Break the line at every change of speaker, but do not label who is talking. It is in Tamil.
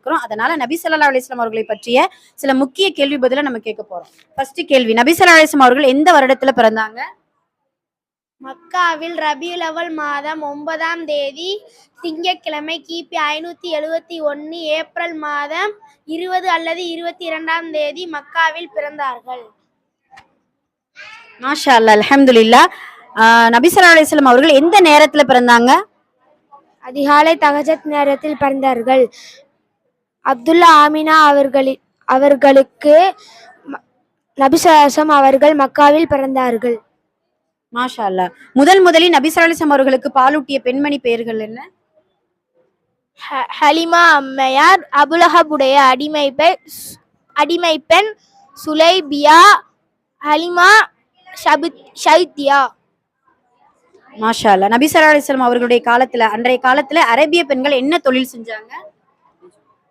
இருக்கிறோம். அதனால நபி ஸல்லல்லாஹு அலைஹி வஸல்லம் அவர்களை பற்றிய சில முக்கிய கேள்வி பதில நம்ம கேட்க போறோம். ஃபர்ஸ்ட் கேள்வி, நபி ஸல்லல்லாஹு அலைஹி வஸல்லம் அவர்கள் எந்த வருடத்துல பிறந்தாங்க?
மக்காவில் ரபியுல் அவல் மாதம் 9ஆம் தேதி திங்கட்கிழமை கிபி 571 ஏப்ரல் மாதம் 20 அல்லது 22ஆம் தேதி மக்காவில் பிறந்தார்கள்.
மாஷா அல்லாஹ், அல்ஹம்துலில்லாஹ். நபி ஸல்லல்லாஹு அலைஹி வஸல்லம் அவர்கள் எந்த நேரத்துல பிறந்தாங்க?
அதிகாலை தஹஜத் நேரத்தில் பிறந்தார்கள். அப்துல்லா ஆமினா அவர்களுக்கு நபி ஸல்லல்லாஹு அவர்கள் மக்காவில் பிறந்தார்கள்.
மாஷா அல்லாஹ். முதலில் நபி ஸல்லல்லாஹு அலைஹி வஸல்லம் அவர்களுக்கு பாலூட்டிய பெண்மணி பெயர்கள் என்ன?
ஹலிமா அம்மையார், அபுலஹபுடைய அடிமை பெண் சுலைபியா, ஹலிமா ஷைத்தியா.
மாஷா அல்லாஹ். நபி ஸல்லல்லாஹு அலைஹி வஸல்லம் அவர்களுடைய காலத்துல, அன்றைய காலத்துல அரேபிய பெண்கள் என்ன தொழில் செஞ்சாங்க?